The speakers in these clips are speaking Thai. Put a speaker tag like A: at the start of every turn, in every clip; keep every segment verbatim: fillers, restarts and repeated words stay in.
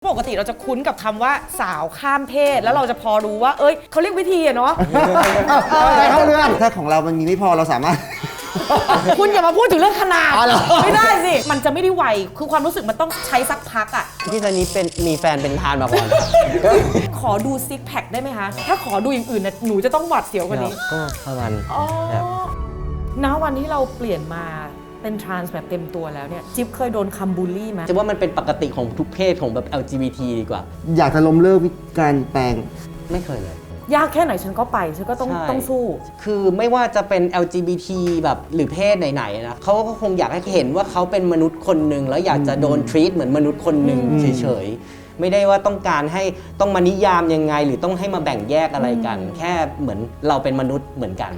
A: ปกติเราจะคุ้นกับคำว่าสาวข้ามเพศแล้วเราจะพอรู้ว่าเอ้ยเขาเรียกวิธีอะเนาะ
B: อะไรเข้าเรื่องถ้าของเรามันมีไม่พอเราสามารถ
A: คุณอย่ามาพูดถึงเรื่องขนาดไม่ได้สิมันจะไม่ได้ไวคือความรู้สึกมันต้องใช้สักพักอ่ะ
C: พี่ซันนี้เป็นมีแฟนเป็นทานมาก่อน
A: ขอดูซิกแพคได้ไหมคะถ้าขอดูอย่างอื่นนะหนูจะต้องหวาดเสียวกว่านี้
C: ก็ประมาณ
A: ณวันที่เราเปลี่ยนมาเป็นทรานส์แบบเต็มตัวแล้วเนี่ยจิ๊บเคยโดนคำบูลลี่ไหม
C: จะว่ามันเป็นปกติของทุกเพศของแบบ แอล จี บี ที ดีกว่า
B: อยากจะล้มเลิกการแปลง
C: ไม่เคยเลย
A: ยากแค่ไหนฉันก็ไปฉันก็ต้องต้องสู้
C: คือไม่ว่าจะเป็น แอล จี บี ที แบบหรือเพศไหนๆนะเขาก็คงอยากให้เห็นว่าเขาเป็นมนุษย์คนหนึ่งแล้วอยากจะโดนทรีตเหมือนมนุษย์คนหนึ่งเฉยๆไม่ได้ว่าต้องการให้ต้องมานิยามยังไงหรือต้องให้มาแบ่งแยกอะไรกันแค่เหมือนเราเป็นมนุษย์เหมือนกัน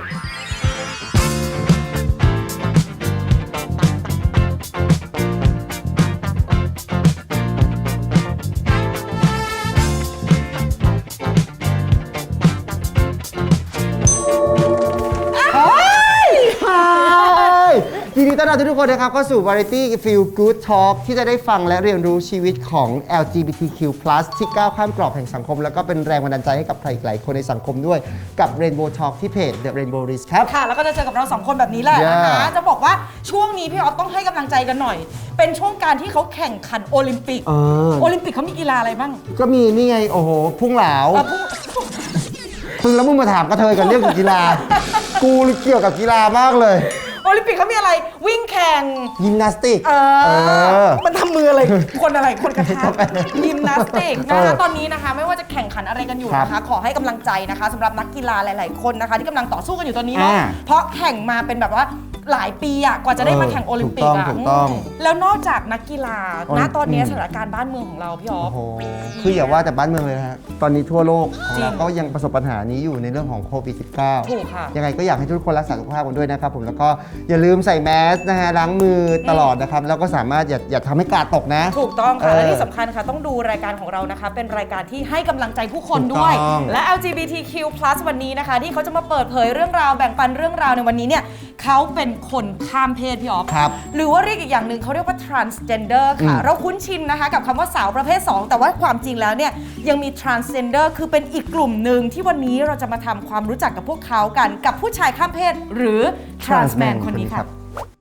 B: ยินดีต้อนรับทุกคนนะครับเข้าสู่ Variety Feel Good Talk ที่จะได้ฟังและเรียนรู้ชีวิตของ แอล จี บี ที คิว พลัส ที่ก้าวข้ามกรอบแห่งสังคมแล้วก็เป็นแรงบันดาลใจให้กับใครหลายคนในสังคมด้วยกับ Rainbow Talk ที่เพจ The Rainbow List ครับ
A: ค่ะแล้วก็จะเจอกับเราสองคนแบบนี้แหละนะคะจะบอกว่าช่วงนี้พี่ออฟต้องให้กำลังใจกันหน่อยเป็นช่วงการที่เขาแข่งขันโอลิมปิกโอลิมปิกเขามีกีฬาอะไรบ้าง
B: ก็มีนี่ไงโอ้โหพุ่งเหลาพึ่งแล้วมึงมาถามกระเทยกันเรื่องกีฬากูเกี่ยวกับกีฬามากเลย
A: โอลิมปิกเขามีอะไรวิ่งแข่ง
B: ยิมนาสติก
A: เออมันทำมืออะไรคนอะไรคนกระทะยิมนาสติกนะคะตอนนี้นะคะไม่ว่าจะแข่งขันอะไรกันอยู่นะคะขอให้กำลังใจนะคะสำหรับนักกีฬาหลายๆคนนะคะที่กำลังต่อสู้กันอยู่ตอนนี้เนาะเพราะแข่งมาเป็นแบบว่าหลายปีอะกว่าจะได้มาแข่งโอลิมปิกอะแล้วนอกจากนักกีฬาณตอนนี้สถานการณ์บ้านเมืองของเราพี่อ๊อฟ
B: คืออย่าว่าแต่บ้านเมืองเลยนะฮะตอนนี้ทั่วโลกของเราก็ยังประสบปัญหานี้อยู่ในเรื่องของโควิด สิบเก้า
A: ถูกค่ะ
B: ยังไงก็อยากให้ทุกคนรักษาสุขภาพกันด้วยนะครับผมแล้วก็อย่าลืมใส่แมสนะฮะล้างมือตลอดนะครับแล้วก็สามารถอย่าอย่าทำให้กาดตกนะ
A: ถูกต้องค่ะและที่สำคัญค่ะต้องดูรายการของเรานะคะเป็นรายการที่ให้กำลังใจผู้คนด้วยและ แอล จี บี ที คิว พลัส วันนี้นะคะที่เขาจะมาเปิดเผยเรื่องราวแบ่งปันเรื่องราวในวันนี้เนี่ยเขาเป็นคนข้ามเพศพี่อ๊อฟหรือว่าเรียกอีกอย่างหนึ่งเขาเรียกว่า transgender ค่ะเราคุ้นชินนะคะกับคำว่าสาวประเภทสองแต่ว่าความจริงแล้วเนี่ยยังมี transgender คือเป็นอีกกลุ่มหนึ่งที่วันนี้เราจะมาทำความรู้จักกับพวกเขากันกับผู้ชายข้ามเพศหรือ trans man คนนี้ค่ะ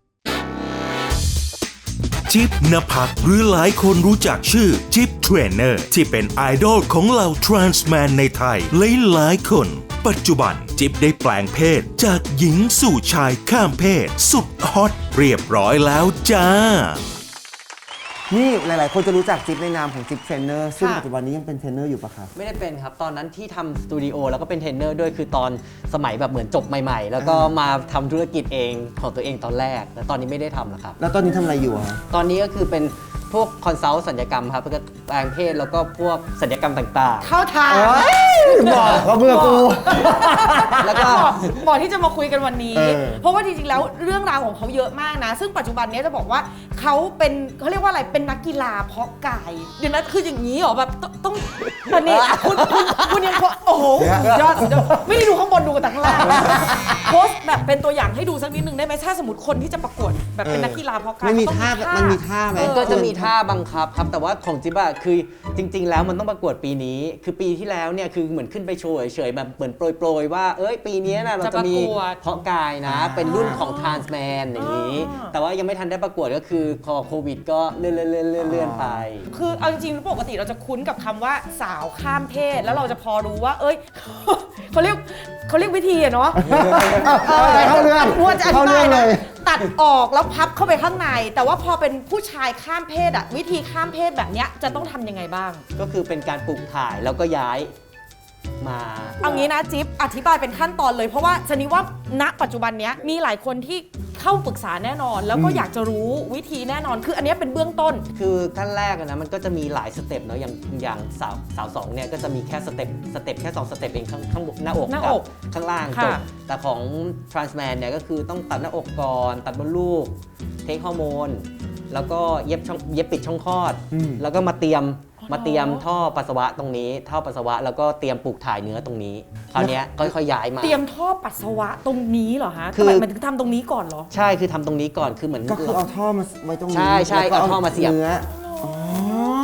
D: จิ๊บนภักหรือหลายคนรู้จักชื่อจิ๊บเทรนเนอร์ที่เป็นไอดอลของเหล่าทรานส์แมนในไทยหลายๆคนปัจจุบันจิ๊บได้แปลงเพศจากหญิงสู่ชายข้ามเพศสุดฮอตเรียบร้อยแล้วจ้า
B: นี่หลายๆคนจะรู้จักจิ๊บในนามของจิ๊บเทรนเนอร์ซึ่งปัจจุบันนี้ยังเป็นเทรนเนอร์อยู่ปะครับ
C: ไม่ได้เป็นครับตอนนั้นที่ทำสตูดิโอแล้วก็เป็นเทรนเนอร์ด้วยคือตอนสมัยแบบเหมือนจบใหม่ๆแล้วก็มาทำธุรกิจเองของตัวเองตอนแรกแต่ตอนนี้ไม่ได้ทำแล้วครับ
B: แล้วตอนนี้ทำอะไรอยู่อะ
C: ตอนนี้ก็คือเป็นพวกคอนซัลท์สัญญกรรมครับเพื่อแปลงเพศแล้วก็พวกสัญญกรรมต่างๆ
A: เข้าทาง
B: บอกเขาเบื่อกู
A: แล้วก็บอกที่จะมาคุยกันวันนี้เพราะว่าจริงๆแล้วเรื่องราวของเขาเยอะมากนะซึ่งปัจจุบันนี้จะบอกว่าเขาเป็นเขาเรียกว่าอะไรเป็นนักกีฬาเพาะกายเดี๋ยวนั้นคืออย่างนี้เหรอแบบต้องตอนนี้คุณคุณคุณยังโอ้โหยอดไม่ได้ดูข้างบนดูกันแต่ข้างล่างโพสแบบเป็นตัวอย่างให้ดูสักนิดนึงได้ไหมถ้าสมมติคนที่จะประกวดแบบเป็นนักกีฬาเพาะกาย
B: มันมีท่ามันมีท่าไหม
C: ก็จะมีท่าบังคับครับแต่ว่าของจิ๊บอะคือจริงๆแล้วมันต้องประกวดปีนี้คือปีที่แล้วเนี่ยคือเหมือนขึ้นไปโชว์เฉยๆแบบเหมือนโปรยๆว่าเอ้ยปีนี้นะเราจะมีเพาะกายนะเป็นรุ่นของทรานส์แมนอย่างนี้แต่ว่ายังไม่ทันได้ประกวดก็คือพอโควิดก็เลื่อนๆเลื่อนๆไป
A: คือเอาจริงๆปกติเราจะคุ้นกับคำว่าสาวข้ามเพศแล้วเราจะพอรู้ว่าเอ้ยเขาเรียกเขาเรียกวิธีอะเนาะ
B: อะไรเข้าเรื่อง
A: ว่าจะอธิบายเลยตัดออกแล้วพับเข้าไปข้างในแต่ว่าพอเป็นผู้ชายข้ามเพศอะวิธีข้ามเพศแบบนี้จะต้องทำยังไงบ้าง
C: ก็คือเป็นการปลูกถ่ายแล้วก็ย้ายมา
A: เอางี้นะจิ๊บอธิบายเป็นขั้นตอนเลยเพราะว่าชนิดว่าณปัจจุบันนี้มีหลายคนที่เข้าปรึกษาแน่นอนแล้วก็อยากจะรู้วิธีแน่นอนคืออันนี้เป็นเบื้องต้น
C: คือขั้นแรกนะมันก็จะมีหลายสเต็ปเนาะอย่างอย่างสาวสาวสองเนี่ยก็จะมีแค่สเต็ปสเต็ปแค่สองสเต็ปเองข้างข้างหน้าอกกับข้างล่างจบแต่ของ trans man เนี่ยก็คือต้องตัดหน้าอกก่อนตัดมดลูกเทคฮอร์โมนแล้วก็เย็บช่องเย็บปิดช่องคลอดแล้วก็มาเตรียมมาเตรียมท่อปัสสาวะตรงนี้ท่อปัสสาวะแล้วก็เตรียมปลูกถ่ายเนื้อตรงนี้คราวนี้ค่อยๆย้ายมา
A: เตรียมท่อปัสสาวะตรงนี้เหรอฮะคือมันถึงทำตรงนี้ก่อนเหรอ
C: ใช่คือทำตรงนี้ก่อนคือเหมือน
B: ก็คือเอาท่อมาไว้ตรงนี้
C: ใช่ใช่เอาท่อมาเสียบ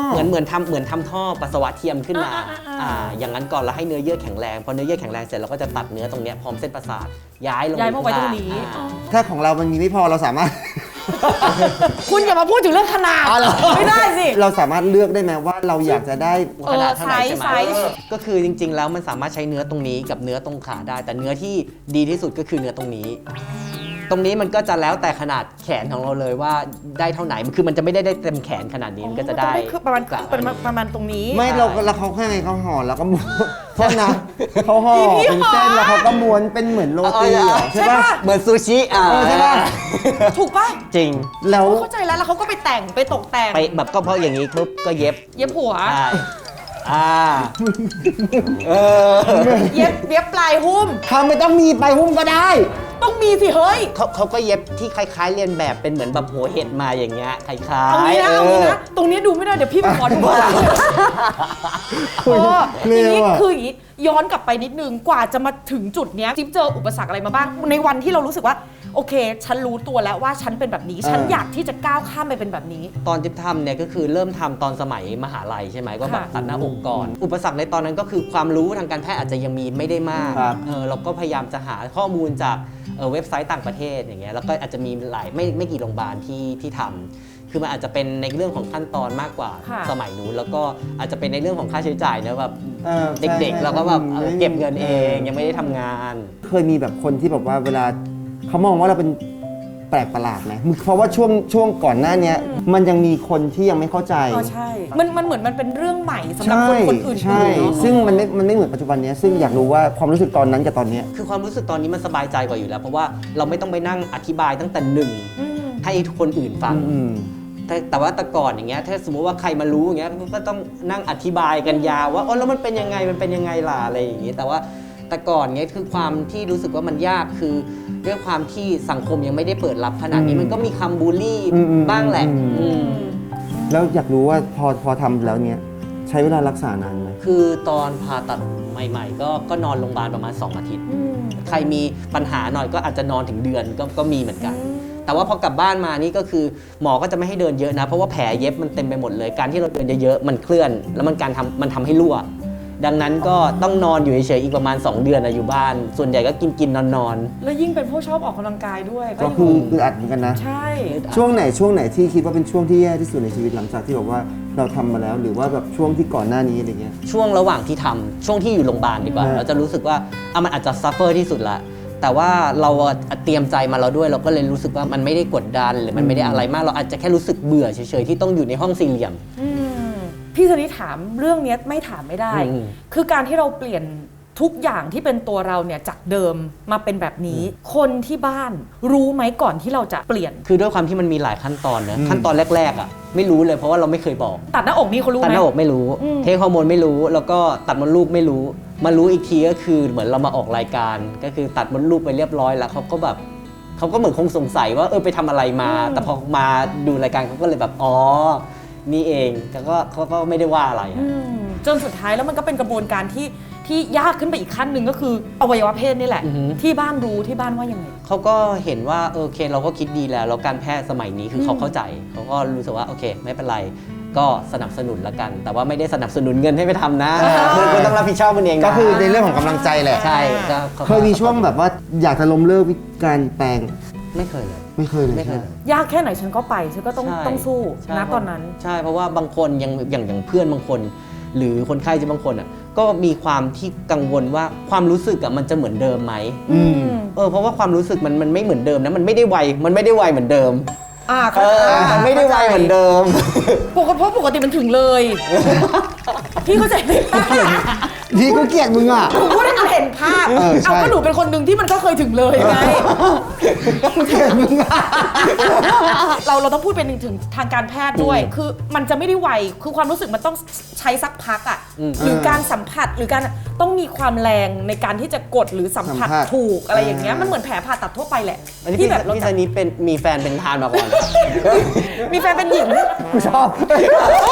C: เหมือนเหมือนทำเหมือนทำท่อปัสสาวะเทียมขึ้นมาอ่าอย่างนั้นก่อนแล้วให้เนื้อเยื่อแข็งแรงพอเนื้อเยื่อแข็งแรงเสร็จเราก็จะตัดเนื้อตรงเนี้ยพร้อมเส้นประสาทย้ายลง
A: ย้ายมาไว้ตรงนี้
C: อ่า
B: ถ้าของเรามันมีไม่พอเราสามารถ
A: คุณอย่ามาพูดถึงเรื่องขนาด
B: อ๋อเหรอ
A: ไม่ได้สิ
B: เราสามารถเลือกได้ไหมว่าเราอยากจะได้
A: เออ
C: ขนาดเท่าไหร่ใช่ไหม
A: ไซส์ไซส์
C: ก็คือจริง ๆ แล้วมันสามารถใช้เนื้อตรงนี้กับเนื้อตรงขาได้ แต่เนื้อที่ดีที่สุดก็คือเนื้อตรงนี้ ตรงนี้มันก็จะแล้วแต่ขนาดแขนของเราเลยว่าได้เท่าไหนคือมันจะไม่ได้ได้เต็มแขนขนาดนี้มันก็จะได้
A: คือประมาณ
C: กะ
A: ประมาณประมาณตรงนี้
B: ไม่เราเราเขาแค่ไงเขาห่อแล้วก็ม้วนโทษนะเขาห่อ
A: พี่
B: เป็น
A: ห่อ
B: เส้นแล้วเขาก็ม้วนเป็นเหมือนโรตีเหรอใช่
A: ใช่
B: ปะ
A: ปะ
C: เหมือนซูชิอ่า
B: เออใช่ปะ
A: ถูกป่ะ
C: จริง
B: แล้ว
A: เข้าใจแล้วแล้วเขาก็ไปแต่งไปตกแต่ง
C: ไปแบบก็เพราะอย่างนี้ปุ๊บก็เย็บ
A: เย็บหัว
C: ใช่อ่าเออ
A: เย็บเย็บปลายหุ้ม
B: ทำไม่ต้องมีไปหุ้มก็ได้
A: ต้องมีสิเฮ้ย
C: เขาเขาก็เย็บที่คล้าย ๆ เรียนแบบเป็นเหมือนแบบหัวเห็ดมาอย่างเงี้ยคล้ายๆ
A: เอางี้นะเอางี้
C: เออ
A: นะตรงนี้ดูไม่ได้เดี๋ยวพี่ไปขอดูก่อนเออ
B: เร็
A: ที
B: ว
A: นี้
B: อะ
A: คืออย่างนี้ย้อนกลับไปนิดนึงกว่าจะมาถึงจุดเนี้ยจิ๊บเจออุปสรรคอะไรมาบ้าง ในวันที่เรารู้สึกว่าโอเค ฉันรู้ตัวแล้วว่าฉันเป็นแบบนี้ ฉันอยากที่จะก้าวข้ามไปเป็นแบบนี้
C: ตอนจิ๊บทำเนี่ยก็คือเริ่มทำตอนสมัยมหาลัยใช่ไหมก็แบบ
A: ค่ะ
C: ตัดหน้าอกก่อน อุปสรรคในตอนนั้นก็คือความรู้ทางการแพทย์อาจจะยังมีไม่ได้มาก
B: ครับ
C: เออเราก็พยายามจะหาข้อมูลจากเอ่อเว็บไซต์ต่างประเทศอย่างเงี้ยแล้วก็อาจจะมีหลายไม่ไม่กี่โรงพยาบาลที่ที่ทำคือมันอาจจะเป็นในเรื่องของขั้นตอนมากกว่า
A: ค่ะ
C: สมัยนู้นแล้วก็อาจจะเป็นในเรื่องของค่าใช้จ่ายเนอะแบบ
B: ออ
C: เด็กๆเราก็แบบเออเก็บเงินเองยังไม่ได้ทำงาน
B: เคยมีแบบคนที่แบบว่าเวลาเขามองว่าเราเป็นแปลกประหลาดไหมเพราะว่าช่วงช่วงก่อนหน้าเนี้ยมันยังมีคนที่ยังไม่เข้าใจ
A: อ๋อใช่ มันมันเหมือนมันเป็นเรื่องใหม่สำหรับคนคนอื่นๆ
B: ใช่
A: เนอะ
B: ซึ่งมันไม่มันไม่เหมือนปัจจุบันเนี้ยซึ่งอยากรู้ว่าความรู้สึกตอนนั้นกับตอนเนี้ย
C: คือความรู้สึกตอนนี้มันสบายใจกว่าอยู่แล้ว เพราะว่าเราไม่ต้องไปนั่งอธิบายตั้งแต่หนึ่ง
A: อืม
C: ให้คนอื่นฟัง
B: อืม
C: แต่แต่ว่าแต่ก่อนอย่างเงี้ยถ้าสมมุติว่าใครมารู้อย่างเงี้ยก็ต้องนั่งอธิบายกันยาวว่าอ๋อแล้วมันเป็นยังไงมันเป็นยังไงล่ะอะไรอย่างงี้แต่ว่าแต่ก่อนเงี้ยคือความที่รู้สึกว่ามันยากคือด้วยความที่สังคมยังไม่ได้เปิดรับขนาดนี้
B: อืม
C: มันก็มีคำบูลลี่
B: อืมอืม
C: บ้างแหละ
B: อืม
C: อืม
B: แล้วอยากรู้ว่าพอพอทำแล้วเนี้ยใช้เวลารักษานานไหม
C: คือตอนผ่าตัดใหม่ ๆ ก็ก็นอนโรงพยาบาลประมาณสองอาทิตย์
A: อืม
C: ใครมีปัญหาหน่อยก็อาจจะนอนถึงเดือนก็ก็มีเหมือนกัน แต่ว่าพอกลับบ้านมานี่ก็คือหมอก็จะไม่ให้เดินเยอะนะ เพราะว่าแผลเย็บมันเต็มไปหมดเลย การที่เราเดินเยอะๆมันเคลื่อน แล้วมันการทำมันทำให้รั่ว ดังนั้นก็ต้องนอนอยู่เฉยๆอีกประมาณสองเดือนนะอยู่บ้าน ส่วนใหญ่ก็กินกินนอนนอน
A: แล้วยิ่งเป็นผู้ชอบออกกำลังกายด้วย
B: ก็
A: ยู่
B: คือคืออัดเหมือนกันนะ
A: ใช่
B: ช่วงไหนช่วงไหนที่คิดว่าเป็นช่วงที่แย่ที่สุดในชีวิตหลังจากที่บอกว่าเราทำมาแล้ว หรือว่าแบบช่วงที่ก่อนหน้านี้อะไรเงี้ย
C: ช่วงระหว่างที่ทำช่วงที่อยู่โรงพยาบาลดีกว่า
B: ฮะ
C: เราจะรู้สึกว่าอ่ะมันอาจจะซัฟเฟอร์ที่สุดละแต่ว่าเราอ่ะเตรียมใจมาแล้วด้วยเราก็เลยรู้สึกว่ามันไม่ได้กดดันหรือมันไม่ได้อะไรมากเราอาจจะแค่รู้สึกเบื่อเฉยๆที่ต้องอยู่ในห้องสี่เหลี่ยม
A: อืมพี่สนิทถามเรื่องเนี้ยไม่ถามไม่ได้
C: อืม
A: คือการที่เราเปลี่ยนทุกอย่างที่เป็นตัวเราเนี่ยจากเดิมมาเป็นแบบนี้ คนที่บ้านรู้ไหมก่อนที่เราจะเปลี่ยน
C: คือด้วยความที่มันมีหลายขั้นตอนนะ
B: อืม
C: ขั้นตอนแรกๆอ่ะไม่รู้เลยเพราะว่าเราไม่เคยบอก
A: ตัดหน้าอกนี่เขารู้ไห
C: ตัด
A: ม
C: หน้าอกไม่รู้
A: อืม
C: เทคฮอร์โมนไม่รู้ แล้วก็ตัดมดลูกไม่รู้ มารู้อีกทีก็คือเหมือนเรามาออกรายการ ก็คือตัดมดลูกไปเรียบร้อยแล้วเขาก็แบบเขาก็เหมือนคงสงสัยว่าเออไปทำอะไรมา แต่พอมาดูรายการเขาก็เลยแบบอ๋อนี่เองแต่ก็เขาก็ไม่ได้ว่าอะไรอะ
A: อืมจนสุดท้ายแล้วมันก็เป็นกระบวนการที่ที่ยากขึ้นไปอีกขั้นหนึ่งก็คืออวัยวะเพศนี่แหละ
C: อือหือ
A: ที่บ้านรู้ที่บ้านว่ายังไง
C: เขาก็เห็นว่าเออโอเคเราก็คิดดีแล้วแล้วการแพทย์สมัยนี้คือเขาเข้าใจเขาก็รู้สึกว่าโอเค ไม่เป็นไรก็สนับสนุนละกัน แต่ว่าไม่ได้สนับสนุนเงินให้ไปทำนะคุณคุณต้องรับผิดชอบมันเองนะ
B: ก็คือในเรื่องของกำลังใจแหละ
C: ใช่ก็
B: เคยมีช่วงแบบว่าอยากจะล้มเลิกวิธีการแปลง
C: ไม่เคยเลย
B: ไม่เคยเลย
C: ไม่เคย
B: ใช่
C: เลย
A: ยากแค่ไหนฉันก็ไปฉันก็ต้อง
C: ใช่
A: ต้องสู้
C: ใช่
A: นะตอนนั้น
C: ใช่เพราะว่าบางคนยังอย่างอย่างเพื่อนบางคน หรือคนไข้จะบางคนอ่ะก็มีความที่กังวลว่าความรู้สึกอ่ะมันจะเหมือนเดิมไหม
B: อืม
C: เออเพราะว่าความรู้สึกมันมันไม่เหมือนเดิมนะมันไม่ได้ไวมันไม่ได้ไวเหมือนเดิม
A: อ่า
C: เออมันไม่ได้ไวเหมือนเดิม
A: ปกติเพราะปกติมันถึงเลย พี่เข้าใจไหม
B: พี่ก็เกลียดมึงอ่ะ
A: หนูพูดให้มันเห็นภาพ
B: เออใช่
A: เอาก็หนูเป็นคนหนึ่งที่มันก็เคยถึงเลยไง
B: เกลียดมึงอ่ะ
A: เราเราต้องพูดเป็นถึงทางการแพทย์ด้วย คือมันจะไม่ได้ไว คือความรู้สึกมันต้องใช้สักพักอ่ะ
C: อืม
A: หรือการสัมผัสหรือการต้องมีความแรงในการที่จะกดหรือสัมผัส
B: สัมผัส
A: ถูกอะไรอย่างเงี้ย
B: อ่ามั
A: มันเหมือนแผลผ่าตัดทั่วไปแหละ
C: อันนี้
A: ที่
C: พี่
A: แบบเรา
C: พี่
A: จะ
C: ซันนี้เป็นมีแฟนเป็นทานมาก่อน
A: มีแฟนเป็นหญิง
B: กูชอบ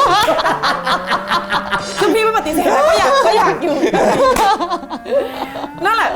A: คือพี่ไม่ปฏิเสธนะก็อยากก็อยากอยู่ นั่นแหละ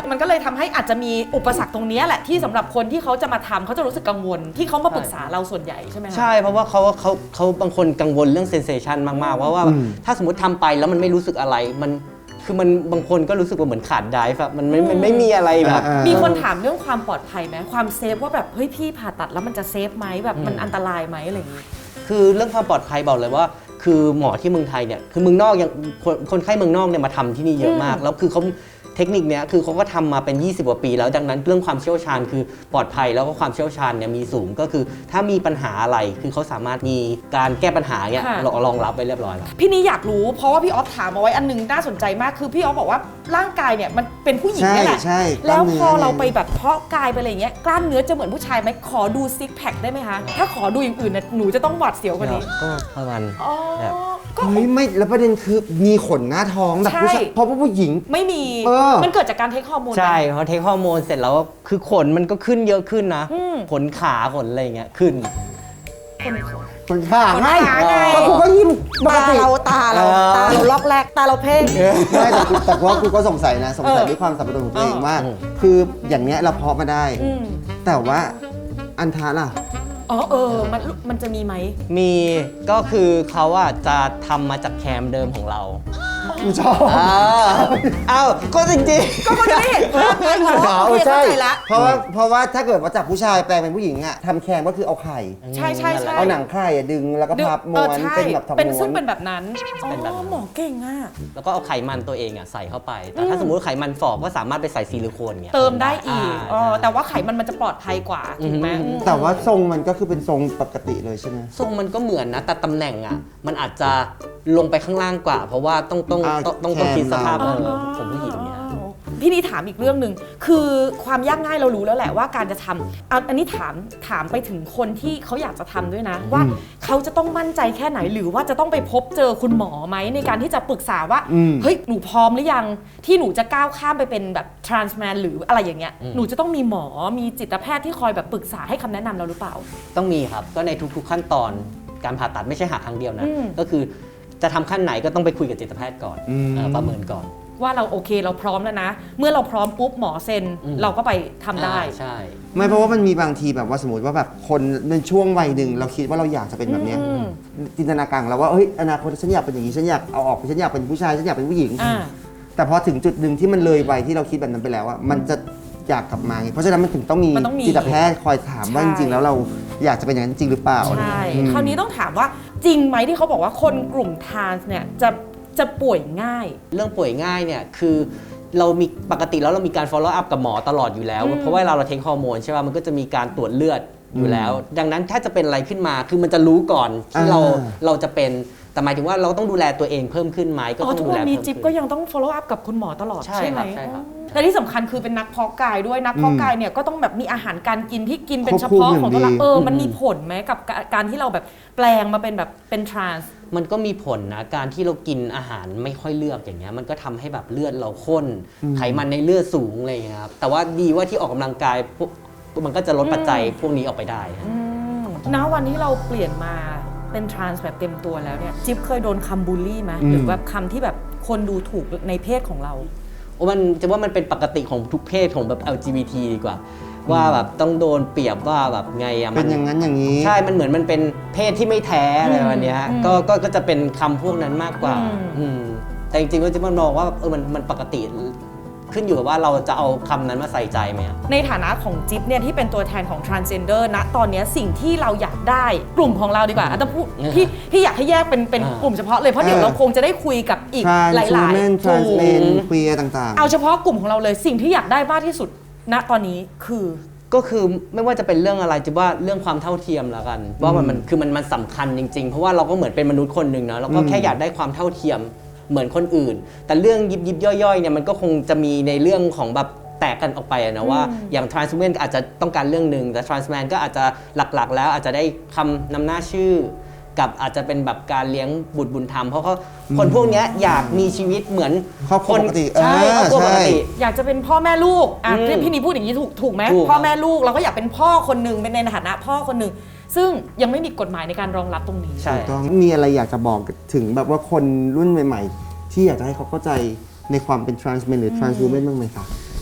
A: มันก็เลยทำให้อาจจะมีอุปสรรคตรงนี้แหละที่สำหรับคนที่เขาจะมาทำเขาจะรู้สึกกังวลที่เขามาปรึกษาเราส่วนใหญ่ใช่ไหมคะ
C: ใช่เพราะว่าเขาเขาเขาบางคนกังวลเรื่องเซนเซชันมากๆว่าว่า
B: อืม
C: ถ้าสมมติทำไปแล้วมันไม่รู้สึกอะไรมันคือมันบางคนก็รู้สึกว่าเหมือนขาดไดฟ์อะมันไม่มันไม่มีอะไรแบบ
B: อ่า
A: มีคนถามเรื่องความปลอดภัยไหมความเซฟว่าแบบเฮ้ยพี่ผ่าตัดแล้วมันจะเซฟไหมแบบมันอันตรายไหมอะไรอย่างงี้
C: คือเรื่องความปลอดภัยบอกเลยว่า คือหมอที่เมืองไทยเนี่ยคือเมืองนอกยังคนคนไข้เมืองนอกเนี่ยมาทำที่นี่เยอะมาก แล้วคือเขาเทคนิคเนี้ยคือเขาก็ทำมาเป็นยี่สิบกว่าปีแล้วดังนั้นเรื่องความเชี่ยวชาญคือปลอดภัยแล้วก็ความเชี่ยวชาญเนี่ยมีสูงก็คือถ้ามีปัญหาอะไรคือเขาสามารถมีการแก้ปัญหาเนี่ย
A: ค่ะ
C: รองรับไว้เรียบร้อยแล้ว
A: พี่นี่อยากรู้เพราะว่าพี่ออฟถามเอาไว้อันหนึงน่าสนใจมากคือพี่ออฟบอกว่าร่างกายเนี่ยมันเป็นผู้หญิงนี่แหละ
B: ใช่ใช่
A: แล้ว
B: กล้ามเนื้อ
A: พอเราไปแบบเพาะกายไปอะไรอย่างเงี้ยกล้ามเนื้อจะเหมือนผู้ชายไหมขอดูซิกแพคได้ไหมคะถ้าขอดูอย่างอื่นเนี่ยหนูจะต้องหวาดเสียวกว่านี้
C: ก็ประมาณ
A: อ๋อ
C: แบบ
A: ก็
B: เฮ้ยไม่แล้วประเด็นคือมีขนหน้าท้องแบบผู้ชาย
A: ใช่
B: เพราะว่าผู้หญิง
A: ไม่มี
B: เออ
A: มันเกิดจากการเทคฮอร์โมนไหม
C: ใช่พอเทคฮอร์โมนเสร็จแล้วคือขนมันก็ขึ้นเยอะขึ้นนะ
A: อืม
C: ขนขาขนอะไรอย่างเงี้ยขึ้น
B: ขนขาไง
A: ขนขาไง
B: ก็กูก็ยิ้มปก
A: ตา
B: ติ
A: เราตาเรา
C: เออ
A: ตาเราล็อกแรกตาเราเพ่ง
B: ไม่แต่กูแต่ว่ากูก็สงสัยนะสงสัย
A: เออ
B: ด้วยความสับสนของตัวเอง
A: เออ
B: ว่า คืออย่างเนี้ยเราเพาะมาได้
A: อืม
B: แต่ว่าอันทาล่ะ
A: อ๋อเออมันมันจะมีไหม
C: มีก็คือเขาอ่ะจะทำมาจากแคมเดิมของเรา
B: กูชอบ
C: อ้าวอ้าวก็จริง
A: ก็มันจะได้เห็นภาพไงอ๋อโอเคเข้าใจละ
B: เพราะว่าเพราะว่าถ้าเกิดว่าจากผู้ชายแปลงเป็นผู้หญิงอะทำแคมก็คือเอาไข่
C: ๆ
A: ใช่ใช่ใช่
B: เอาหนังไข่อะดึงแล้วก็พับม้วน
A: ออใช่
B: เป็นแบบทอง
A: เป็น
B: ม้
A: ซึ่
B: ว
A: ง
B: น
A: เป็นแบบนั้น
C: เป็นแบบนั้น
A: อ๋อหมอเก่งอ่ะ
C: แล้วก็เอาไขมันตัวเองอ่ะใส่เข้าไป แต่ถ้าสมมติไขมันฝ่อก็สามารถไปใส่ซิลิโคนเงี้ย
A: เติมได้อีก
C: า
A: อ๋อแต่ว่าไขมันมันจะปลอดภัยกว่าถูกไหม
C: อืม
A: อืม
B: แต่ว่าทรงมันก็คือเป็นทรงปกติเลยใช่ไหม
C: ทรงมันก็เหมือนนะแต่ตำแหน่งอ่ะมันอาจจะลงไปข้างล่างกว่า เพราะว่าต้องต้อง
B: อ่า
C: ต้องต้องต้องคิดสภาพ
B: แคม
C: เอ
B: เรา
C: อของผู้หญิงเนี่ย
A: พี่นี่ถามอีกเรื่องหนึ่งคือความยากง่ายเรารู้แล้วแหละว่าการจะทำเอาอันนี้ถามถามไปถึงคนที่เขาอยากจะทำด้วยนะ ว่าเขาจะต้องมั่นใจแค่ไหนหรือว่าจะต้องไปพบเจอคุณหมอไหมในการที่จะปรึกษาว่า
B: อืม
A: เฮ้ยหนูพร้อมหรือยังที่หนูจะก้าวข้ามไปเป็นแบบ trans man หรืออะไรอย่างเงี้ย
C: อืม
A: หนูจะต้องมีหมอมีจิตแพทย์ที่คอยแบบปรึกษาให้คำแนะนำเราหรือเปล่า
C: ต้องมีครับก็ในทุกๆขั้นตอนการผ่าตัดไม่ใช่หาครั้งเดียวนะ
A: อืม
C: ก็คือจะทำขั้นไหนก็ต้องไปคุยกับจิตแพทย์ก่อน
B: อืม
C: เออประเมินก่อน
A: ว่าเราโอเคเราพร้อมแล้วนะ เมื่อเราพร้อมปุ๊บหมอเซ็น
C: อืม
A: เราก็ไปทำได้
C: อ่าใช่
B: ไม่เพราะว่ามันมีบางทีแบบว่าสมมติว่าแบบคนในช่วงวัยหนึ่งเราคิดว่าเราอยากจะเป็นแบบเนี้ย
A: อืม
B: จินตนาการของเราว่าเฮ้ยอนาคตฉันอยากเป็นอย่างนี้ฉันอยากเอาออกฉันอยากเป็นผู้ชายฉันอยากเป็นผู้หญิง
A: อ่า
B: แต่พอถึงจุดหนึ่งที่มันเลยวัยที่เราคิดแบบนั้นไปแล้วอะมันจะอยากกลับมาไงเพราะฉะนั้นมันถึงต้องมี
A: มันต้องมี
B: จิตแพทย์คอยถามว่า
A: ใช่
B: จริงๆแล้วเราอยากจะเป็นอย่างนั้นจริงหรือเปล่า
A: ใช่
B: อืม
A: คราวนี้ต้องถามว่าจริงไหมที่เขาบอกว่าคนกลุ่มทรานส์เนี่ยจะจะป่วยง่าย
C: เรื่องป่วยง่ายเนี่ยคือเรามีปกติแล้วเรามีการ follow up กับหมอตลอดอยู่แล้ว
A: อืม
C: เพราะว่าเราเราเทคฮอร์โมนใช่ป่ะมันก็จะมีการตรวจเลือดอยู่แล้ว ดังนั้นถ้าจะเป็นอะไรขึ้นมาคือมันจะรู้ก่อนที่เรา
B: อ่า
C: เราจะเป็นแต่หมายถึงว่าเราต้องดูแลตัวเองเพิ่มขึ้นไหมก็
A: อ๋อ
C: ต้อง
A: ทุก
C: ดู
A: วั
C: แล
A: นนี้
C: เพิ่ม
A: จิ๊บ
C: ขึ้น
A: ก็ยังต้อง follow up กับคุณหมอตลอด
C: ใช่
A: ใช่ไหม
C: ครับใช่ครับ
A: อ๋อและที่สำคัญคือเป็นนักเพาะกายด้วยนักเพาะกายเนี่ยก็ต้องแบบมีอาหารการกินที่กินเป็นเฉพาะของตัวเราเออมันมีผลไหมกับการที่เราแบบแปลงมาเป็นแบบเป็นทรานส์
C: มันก็มีผลนะการที่เรากินอาหารไม่ค่อยเลือกอย่างเงี้ยมันก็ทำให้แบบเลือดเราข้น ไขมันในเลือดสูงอะไรอย่างเงี้ยครับแต่ว่าดีว่าที่ออกกำลังกายพวกมันก็จะลดปัจจัยพวกนี้ออกไปได้นะ
A: ณวันที่เราเปลี่ยนมาเป็นทรานส์แบบเต็มตัวแล้วเนี่ยจิ๊บเคยโดนคำบูลลี่ไหม
B: อืม
A: หรือแบบคำที่แบบคนดูถูกในเพศของเรา
C: โอ้มันจะว่ามันเป็นปกติของทุกเพศของแบบ แอล จี บี ที ดีกว่า ว่าแบบต้องโดนเปรียบว่าแบบไงอะ
B: เป็นอย่างนั้นอย่างนี้
C: ใช่มันเหมือนมันเป็นเพศที่ไม่แท้อะไร
A: อืม
C: วันเนี้ย
A: อืม
C: ก็ก็ก็จะเป็นคำพวกนั้นมากกว่า
A: อืม
C: อืมแต่จริงๆก็จะมันมองว่าเออมันมันปกติขึ้นอยู่กับว่าเราจะเอาคำนั้นมาใส่ใจไหมอะ
A: ในฐานะของจิ๊บเนี่ยที่เป็นตัวแทนของ transgender ณตอนเนี้ยสิ่งที่เราอยากได้กลุ่มของเราดีกว่าอ่ะต้องพูด
C: อ่า
A: พี่พี่อยากให้แยกเป็นเป็น
C: อ่าก
A: ลุ่มเฉพาะเลยเพราะเดี๋ยว
B: อ่า
A: เราคงจะได้คุยกับอีก
B: trans
A: หลาย
B: women
A: ๆ
B: trans
A: ถูก
B: men queer ต่างๆ
A: เอาเฉพาะกลุ่มของเราเลยสิ่งที่อยากได้มากที่สุด ณตอนนี้คือ
C: ก็คือไม่ว่าจะเป็นเรื่องอะไรจะว่าเรื่องความเท่าเทียมแล้วกันว่ามันมันคือมันมันสำคัญจริงๆ เพราะว่าเราก็เหมือนเป็นมนุษย์คนหนึ่งนะเราก็
B: อืม
C: แค่อยากได้ความเท่าเทียมเหมือนคนอื่น แต่เรื่องยิบยิบย่อยๆเนี่ยมันก็คงจะมีในเรื่องของแบบแตกกันออกไปอะนะว่าอย่าง trans women อาจจะต้องการเรื่องหนึ่งแต่ trans man ก็อาจจะหลักๆ แล้วอาจจะได้คำนำหน้าชื่อ กับอาจจะเป็นแบบการเลี้ยงบุตรบุญธรรมเพราะเขาคนพวกเนี้ยอยากมีชีวิตเหมือน
B: ครอบครัวปกติ
C: ใช่
B: เออ
C: ครอบครัวปกติ
B: ใช่
A: อยากจะเป็นพ่อแม่ลูกอ่ะ
C: อืม
A: พี่พี่นีพูดอย่างนี้ถูกถูกไหม
C: ถูก
A: พ่อแม่ลูกเราก็อยากเป็นพ่อคนหนึ่งเป็นในฐานะพ่อคนหนึ่งซึ่งยังไม่มีกฎหมายในการรองรับตรงนี้
C: ใช่
B: ถูกต้องมีอะไรอยากจะบอกถึงแบบว่าคนรุ่นใหม่ๆ ที่อยากจะให้เขาเข้าใจในความเป็น trans men หรือ trans women บ้างไหมคะ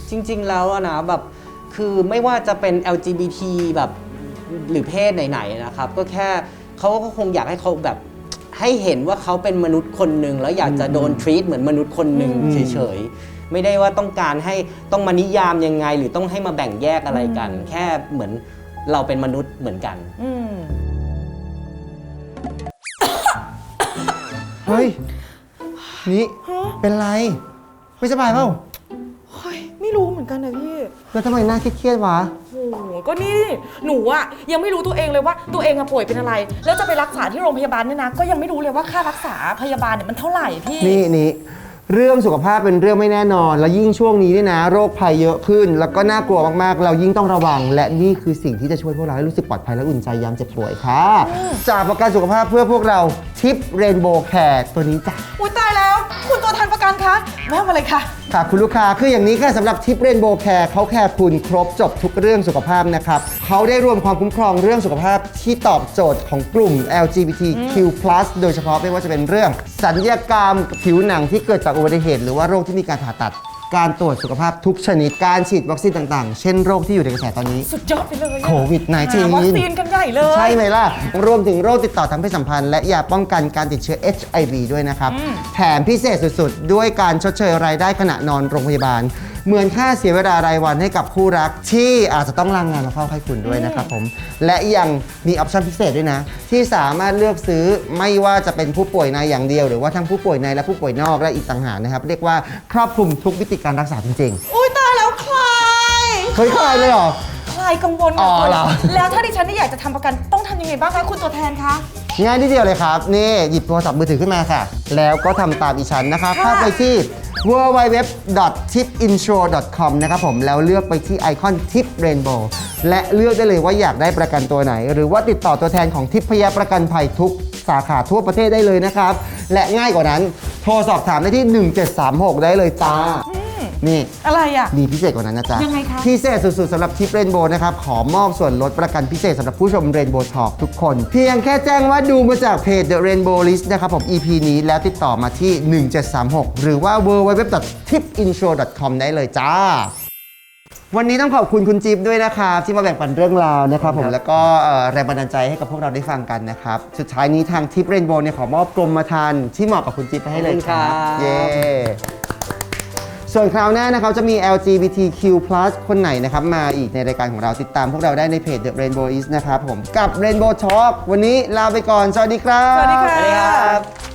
C: จริง ๆ แล้วอะนะแบบคือไม่ว่าจะเป็น แอล จี บี ที แบบหรือเพศไหนๆนะครับ ก็แค่เขาก็คงอยากให้เขาแบบให้เห็นว่าเขาเป็นมนุษย์คนหนึ่งแล้วอยากจะโดน treat เหมือนมนุษย์คนหนึ่งเฉยๆไม่ได้ว่าต้องการให้ต้องมานิยามยังไงหรือต้องให้มาแบ่งแยกอะไรกัน แค่เหมือนเราเป็นมนุษย์เหมือนกัน
A: อืม
B: เฮ้ย นี่ เป็นไร ไม่สบายเปล่า
A: เฮ้ยไม่รู้เหมือนกันนะพี่
B: แล้วทำไมหน้าเครียดๆวะ
A: โอ้โหก็นี่หนูอะยังไม่รู้ตัวเองเลยว่าตัวเองอะป่วยเป็นอะไร แล้วจะไปรักษาที่โรงพยาบาลเนี่ยนะก็ยังไม่รู้เลยว่าค่ารักษาพยาบาลเนี่ยมันเท่าไหร่พี่
B: นี่นี่เรื่องสุขภาพเป็นเรื่องไม่แน่นอน แล้วยิ่งช่วงนี้เนี่ยนะ โรคภัยเยอะขึ้น แล้วก็น่ากลัวมากๆ เรายิ่งต้องระวัง และนี่คือสิ่งที่จะช่วยพวกเราให้รู้สึกปลอดภัยและอุ่นใจยามเจ็บป่วยค่ะ จากประกันสุขภาพเพื่อพวกเราทิปเรนโบว์แคร์ตัวนี้จ้ะ
A: อุ้ยตายแล้ว คุณตัวแทนประกันคะแวะมาเลยค่ะ
B: ค่ะคุณลูกค้าคืออย่างนี้ค่ะสำหรับทิปเรนโบว์แคร์เขาแคร์คุณครบจบทุกเรื่องสุขภาพนะครับเขาได้รวมความคุ้มครองเรื่องสุขภาพที่ตอบโจทย์ของกลุ่ม แอล จี บี ที คิว พลัส โดยเฉพาะไม่ว่าจะเป็นเรื่องศัลยกรรมผิวหนังที่เกิดจากอุบัติเหตุหรือว่าโรคที่มีการผ่าตัดการตรวจสุขภาพทุกชนิดการฉีดวัคซีนต่างๆ เช่นโรคที่อยู่ในกระแสตอนนี้
A: สุดยอดไปเลยอะ
B: โควิด สิบเก้า
A: หาวัคซีนกันใหญ่เลย
B: ใช่ไหมล่ะ รวมถึงโรคติดต่อทางเพศสัมพันธ์และยาป้องกันการติดเชื้อ เอช ไอ วี ด้วยนะครับ แถมพิเศษสุดๆ ด้วยการชดเชยรายได้ขณะนอนโรงพยาบาล เหมือนค่าเสียเวลารายวันให้กับคู่รักที่อาจจะต้องลางงานมาเฝ้าไข้คุณด้วยนะครับผม และยังมีออปชั่นพิเศษด้วยนะ ที่สามารถเลือกซื้อไม่ว่าจะเป็นผู้ป่วยในอย่างเดียวหรือว่าทั้งผู้ป่วยในและผู้ป่วยนอกและอีกต่างหากนะครับเรียกว่าครอบคลุมทุกวิธีการรักษาจริงๆ
A: อุ้ยตายแล้วคลาย
B: เฮ้ยคลายเลยเหรอ
A: คลายกังวล
B: อ๋
A: ค่ะ
B: อ
A: คุณ
B: เหรอ
A: แล้วถ้าดิฉันนี่อยากจะทำประกันต้องทำยังไงบ้างคะคุณตัวแทนคะ
B: ง่ายนิดเดียวเลยครับ นี่ หยิบโทรศัพท์มือถือขึ้นมาค่ะ แล้วก็ทำตามอีฉันนะครับ
A: ค่ะ
B: เข้าไปที่ ดับเบิลยู ดับเบิลยู ดับเบิลยู ดอท ทิป อินชัวร์ ดอท คอม นะครับผมแล้วเลือกไปที่ไอคอน Tip Rainbow และเลือกได้เลยว่าอยากได้ประกันตัวไหน หรือว่าติดต่อตัวแทนของทิพยประกันภัยทุกสาขาทั่วประเทศได้เลยนะครับ และง่ายกว่านั้นโทรสอบถามได้ที่ หนึ่งเจ็ดสามหก ได้เลยจ้านี่
A: อะไรอ่ะ
B: มีพิเศษกว่านั้นนะจ๊ะ
A: ยังไงคะ
B: พิเศษสุดๆสำหรับทิปเรนโบว์นะครับ ขอมอบส่วนลดประกันพิเศษสำหรับผู้ชมเรนโบว์ทอล์กทุกคน เพียงแค่แจ้งว่าดูมาจากเพจ The Rainbow List นะครับผม อี พี นี้แล้วติดต่อมาที่ หนึ่งเจ็ดสามหก หรือว่า ดับเบิลยู ดับเบิลยู ดับเบิลยู ดอท ทิป อินชัวร์ ดอท คอม ได้เลยจ้า วันนี้ต้องขอบคุณคุณจิ๊บด้วยนะครับที่มาแบ่งปันเรื่องราวนะครับผมแล้วก็เอ่อแรงบันดาลใจให้กับพวกเราได้ฟังกันนะครับสุดท้ายนี้ทางทิปเรนโบว์เนี่ยขอมอบกรมธรรม์ที่เหมาะกับคุณจิ๊บไปให้เลยครับ
C: ขอบคุณครับ
B: เย้ส่วนคราวหน้านะครับจะมี แอล จี บี ที คิว พลัส คนไหนนะครับมาอีกในรายการของเราติดตามพวกเราได้ในเพจ The Rainbow Is นะครับผมกับ Rainbow Talk วันนี้ลาไปก่อน สวัสดีครับ
A: สวัสดีค่ะ
C: สวัสดีครับ